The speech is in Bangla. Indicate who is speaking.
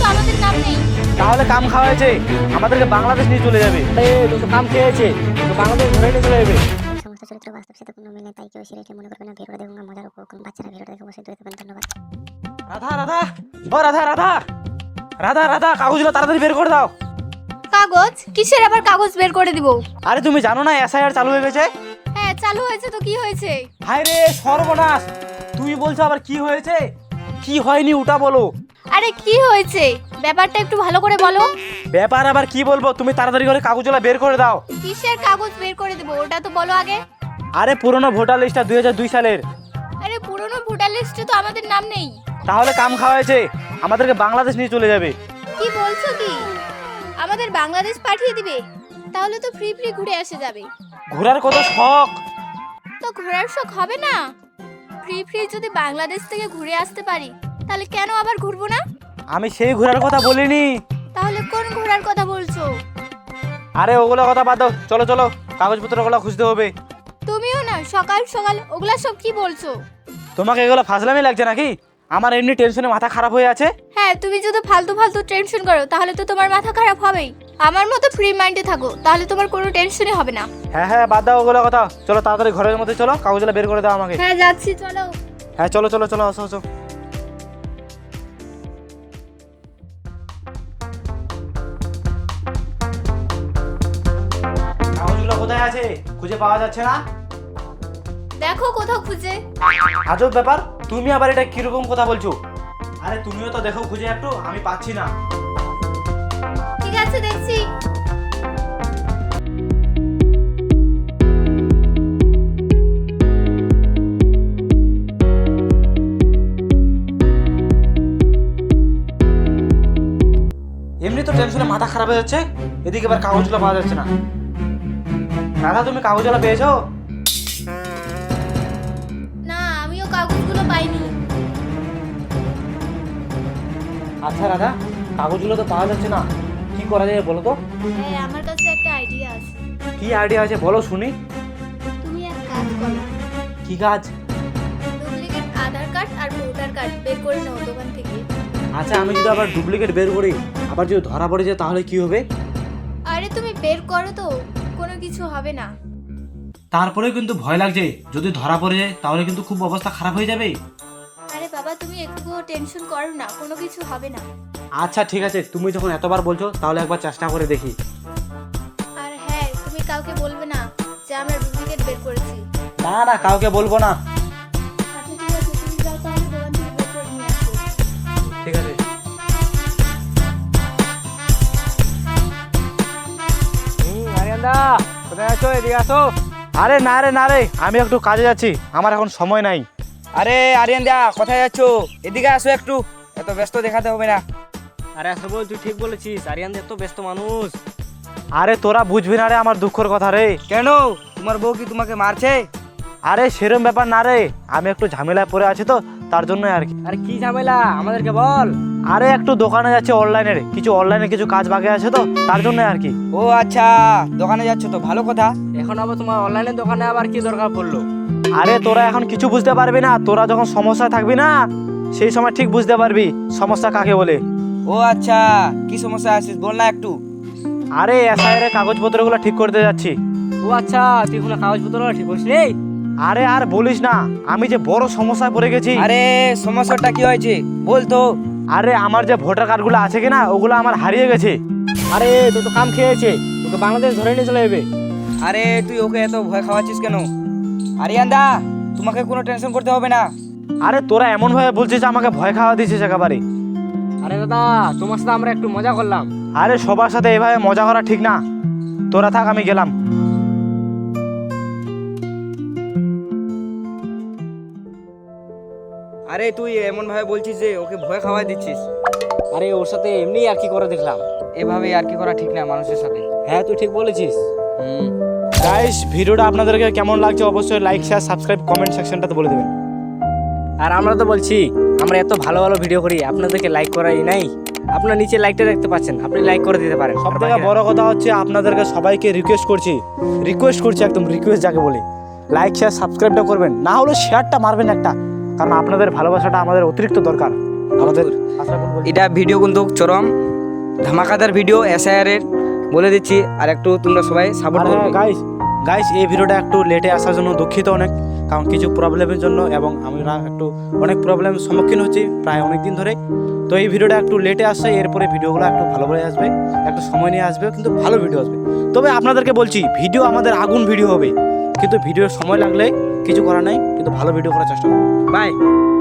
Speaker 1: আমাদের নাম নেই।
Speaker 2: তাহলে কাম খাওয়াইছে, আমাদেরকে বাংলাদেশ নিয়ে চলে যাবে। তো কাম খেয়েছে, তো বাংলাদেশ ধরে নিয়ে চলে যাবে।
Speaker 3: সমস্ত চরিত্র বাস্তব সাথে কোনো মিল নেই, তাই কেউ সিরিয়াসলি মনে করবে না। ভিডিওটা দেখুন, মজার উপভোগ করুন। বাচ্চারা ভিডিওটা দেখে অবশ্যই দূরে থাকবেন। ধন্যবাদ।
Speaker 2: রাধা রাধা, ও রাধা রাধা, রাধা রাধা, কাগজগুলো তাড়াতাড়ি বের করে দাও।
Speaker 1: কাগজ? কিসের আবার কাগজ বের করে দিব?
Speaker 2: আরে তুমি জানো না এসআইআর চালু হয়ে গেছে?
Speaker 1: হ্যাঁ চালু হয়েছে, তো কি হয়েছে?
Speaker 2: হায় রে সর্বনাশ, তুমি বলছো আবার কি হয়েছে? কি হয়নি ওটা বলো।
Speaker 1: আরে কি হয়েছে ব্যাপারটা একটু ভালো করে বলো।
Speaker 2: ব্যাপার আবার কি বলবো, তুমি তাড়াতাড়ি করে কাগজগুলো বের করে দাও।
Speaker 1: কিসের কাগজ বের করে দেবো ওটা তো বলো আগে।
Speaker 2: আরে পুরনো ভোটার লিস্টটা 2002 সালের।
Speaker 1: আরে পুরনো ভোটার লিস্টে তো আমাদের নাম নেই।
Speaker 2: তাহলে কাম খাওয়াইছে, আমাদেরকে বাংলাদেশ নিয়ে চলে যাবে।
Speaker 1: কি বলছো কি? আমাদের বাংলাদেশ পাঠিয়ে দিবে? তাহলে তো ফ্রি ফ্রি ঘুরে আসে যাবে।
Speaker 2: ঘোরার কত শখ।
Speaker 1: তো ঘোরার শখ হবে না? ফ্রি ফ্রি যদি বাংলাদেশ থেকে ঘুরে আসতে পারি তাহলে কেন আবার ঘুরবো না?
Speaker 2: আমি সেই ঘোরার কথা বলিনি।
Speaker 1: তাহলে কোন ঘোরার কথা বলছো?
Speaker 2: আরে ওগুলো কথা বাদ দাও, চলো চলো কাগজপত্রগুলো খুঁজতে হবে।
Speaker 1: তুমিও না সকাল সকাল ওগুলা সব কি বলছো?
Speaker 2: তোমাকে এগুলো ফাজলামি লাগছে নাকি? আমার এমনি টেনশনে মাথা খারাপ হয়ে আছে।
Speaker 1: হ্যাঁ তুমি যদি ফালতু ফালতু টেনশন করো তাহলে তো তোমার মাথা খারাপ হবেই। আমার মতো ফ্রি মাইন্ডে থাকো তাহলে তোমার কোনো টেনশনই হবে না।
Speaker 2: হ্যাঁ হ্যাঁ বাদ দাও ওগুলো কথা, চলো তাড়াতাড়ি ঘরের মধ্যে চলো, কাগজগুলো বের করে দাও আমাকে।
Speaker 1: হ্যাঁ যাচ্ছি, চলো।
Speaker 2: হ্যাঁ চলো চলো চলো, আসো আসো। কাগজগুলো কোথায় আছে? খুঁজে পাওয়া যাচ্ছে না।
Speaker 1: দেখো কোথাও খুঁজে।
Speaker 2: আজব ব্যাপার, তুমি আবার এটা কিরকম কথা বলছো? আরে তুমিও তো দেখো খুঁজে একটু, আমি পাচ্ছি না।
Speaker 1: ঠিক আছে দেখছি।
Speaker 2: এমনি তো টেনশনে মাথা খারাপ হয়ে যাচ্ছে, এদিকে এবার কাগজগুলো পাওয়া যাচ্ছে না। দাদা তুমি কাগজগুলো পেয়েছো?
Speaker 1: না আমিও কাগজগুলো পাইনি।
Speaker 2: আচ্ছা দাদা, কাগজগুলো তো পাওয়া যাচ্ছে না, কি করা যায় বলো তো?
Speaker 1: হ্যাঁ আমার কাছে একটা আইডিয়া আছে।
Speaker 2: কি আইডিয়া আছে বলো শুনি।
Speaker 1: তুমি এক কাজ করো,
Speaker 2: কি কাজ?
Speaker 1: ডুপ্লিকেট আধার কার্ড আর ভোটার কার্ড বের করে নাও দোকান থেকে।
Speaker 2: আচ্ছা আমি যদি আবার ডুপ্লিকেট বের করি, আবার যদি ধরা পড়ে যায় তাহলে কি হবে?
Speaker 1: আরে তুমি বের করো তো, কোনো কিছু হবে না।
Speaker 2: তারপরেও কিন্তু ভয় লাগছে, যদি ধরা পড়ে যায় তাহলে কিন্তু খুব অবস্থা খারাপ হয়ে যাবে।
Speaker 1: আরে বাবা তুমি একটুও টেনশন করো না, কোনো কিছু হবে না।
Speaker 2: আচ্ছা ঠিক আছে, তুমি যখন এতবার বলছো তাহলে একবার চেষ্টা করে দেখি।
Speaker 1: আর হ্যাঁ তুমি কাউকে বলবে না যে আমরা ডুপ্লিকেট বের করেছি।
Speaker 2: না না কাউকে বলবো না।
Speaker 1: আচ্ছা ঠিক আছে, তুমি যাও তাহলে দোকান থেকে বের করে নিয়ে আসো।
Speaker 2: ঠিক আছে। আরিয়ানদা কোথায় আছো? এদিকে আসো। আরে না রে না রে, আমি একটু কাজে যাচ্ছি, আমার এখন সময় নাই।
Speaker 4: আরে আরিয়ান দা কোথায় যাচ্ছ? এদিকে আসো একটু, এত ব্যস্ত দেখাতে হবে না।
Speaker 2: আরে আসলে তুই ঠিক বলেছিস, আরিয়ান এত ব্যস্ত মানুষ। আরে তোরা বুঝবি না রে আমার দুঃখের কথা রে।
Speaker 4: কেন, তোমার বউ কি তোমাকে মারছে?
Speaker 2: আরে সেরম ব্যাপার না রে, আমি একটু ঝামেলায় পড়ে আছি তো তার জন্য আর কি।
Speaker 4: আরে কি ঝামেলা আমাদেরকে বল।
Speaker 2: আরে একটু দোকানে যাচ্ছে অনলাইনের, কিছু অনলাইনে কিছু কাজ বাকি আছে তো তার জন্য আর কি।
Speaker 4: ও আচ্ছা, দোকানে যাচ্ছ তো ভালো কথা।
Speaker 2: এখন আবার তোমার অনলাইনের দোকানে আবার কি দরকার পড়লো? আরে তোরা এখন কিছু বুঝতে পারবি না, তোরা যখন সমস্যা থাকবি না সেই সময় ঠিক বুঝতে পারবি সমস্যা কাকে বলে।
Speaker 4: ও আচ্ছা, কি সমস্যা আছিস বল না একটু।
Speaker 2: আরে এসআইআর এর কাগজপত্রগুলো ঠিক করতে যাচ্ছি।
Speaker 4: ও আচ্ছা, তুই কোনো কাগজপত্র ঠিক করিস নি?
Speaker 2: আরে আর বলিস না, আমি যে বড় সমস্যায় পড়ে গেছি।
Speaker 4: আরে সমস্যাটা কি হয়েছে বল তো।
Speaker 2: আরে আমার যে ভোটার কার্ডগুলো আছে কিনা ওগুলো আমার হারিয়ে গেছে। আরে তুই তো কাম খেয়েছে, তোকে বাংলাদেশ ধরে নিয়ে চলে যাবে।
Speaker 4: আরে তুই ওকে এত ভয় খাওয়াচ্ছিস কেন? আরিয়ান দা তোমাকে কোনো টেনশন করতে হবে না।
Speaker 2: আরে তোরা এমন ভাবে বলছিস আমাকে ভয় খাওয়া দিছিস একেবারে।
Speaker 4: আরে দাদা তোমার সাথে আমরা একটু মজা করলাম।
Speaker 2: আরে সবার সাথে এভাবে মজা করা ঠিক না, তোরা থাক আমি গেলাম।
Speaker 4: আরে তুই এমন ভাবে বলছিস যে ওকে ভয় খাওয়াই দিচ্ছিস।
Speaker 2: আরে ওর সাথে এমনি আর কি করে দেখলাম।
Speaker 4: এভাবে আর কি করা ঠিক না মানুষের সাথে।
Speaker 2: হ্যাঁ তুই ঠিক বলেছিস। গাইস ভিডিওটা আপনাদেরকে কেমন লাগছে অবশ্যই লাইক শেয়ার সাবস্ক্রাইব কমেন্ট সেকশনটাতে বলে দেবেন।
Speaker 5: আর আমরা তো বলছি আমরা এত ভালো ভালো ভিডিও করি, আপনাদেরকে লাইক করাই নাই। আপনার নিচে লাইকটা দেখতে পাচ্ছেন, আপনি লাইক করে দিতে পারেন।
Speaker 2: সব থেকে বড় কথা হচ্ছে আপনাদেরকে সবাইকে রিকোয়েস্ট করছি একদম রিকোয়েস্ট যাকে বলি, লাইক শেয়ার সাবস্ক্রাইবটা করবেন, না হলে শেয়ারটা মারবেন একটা, কারণ আপনাদের ভালোবাসাটা আমাদের অতিরিক্ত দরকার। আমাদের আশরাফুল বলছি।
Speaker 4: এটা ভিডিও কিন্তু চরম ধামাকাদার ভিডিও SIR এর বলে দিচ্ছি, আর একটু তোমরা সবাই সাপোর্ট
Speaker 2: আর
Speaker 4: করবে।
Speaker 2: গাইস গাইস এই ভিডিওটা একটু লেটে আসার জন্য দুঃখিত অনেক, কারণ কিছু প্রবলেমের জন্য, এবং আমরা একটু অনেক প্রবলেমের সম্মুখীন হচ্ছি প্রায় অনেক দিন ধরে। তো এই ভিডিওটা একটু লেটে আসছে, এরপরে ভিডিওগুলো একটু ভালোভাবে আসবে, একটু সময় নিয়ে আসবে, কিন্তু ভালো ভিডিও আসবে। তবে আপনাদেরকে বলছি ভিডিও আমাদের আগুন ভিডিও হবে, কিন্তু ভিডিওর সময় লাগলে কিছু করার নাই, কিন্তু ভালো ভিডিও করার চেষ্টা করবো।
Speaker 4: বাই।